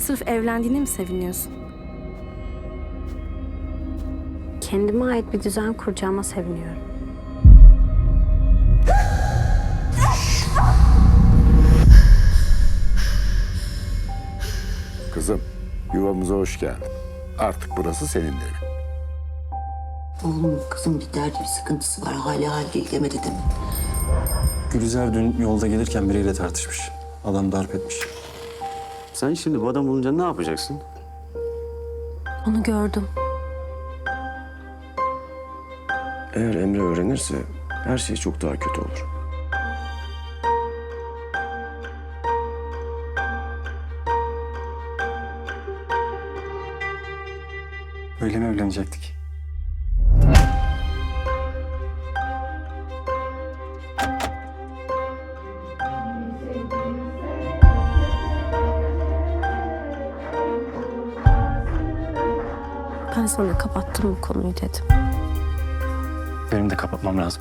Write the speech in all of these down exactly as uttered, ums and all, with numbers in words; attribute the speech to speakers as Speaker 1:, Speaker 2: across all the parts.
Speaker 1: Sırf evlendiğine mi seviniyorsun?
Speaker 2: Kendime ait bir düzen kuracağıma seviniyorum.
Speaker 3: Kızım, yuvamıza hoş geldin. Artık burası senin evin.
Speaker 4: Oğlum kızım bir derdi bir sıkıntısı var. Hala hal değil demedi değil mi?
Speaker 5: Gülizar dün yolda gelirken biriyle tartışmış. Adam darp etmiş.
Speaker 6: Sen şimdi bu adam bulunca ne yapacaksın?
Speaker 2: Onu gördüm.
Speaker 7: Eğer Emre öğrenirse her şey çok daha kötü olur.
Speaker 5: Öyle mi evlenecektik?
Speaker 2: Ben sana kapattım bu konuyu dedim.
Speaker 5: Benim de kapatmam lazım.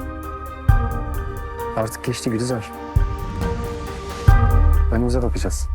Speaker 5: Artık geçti Gülizar. Önümüze bakacağız.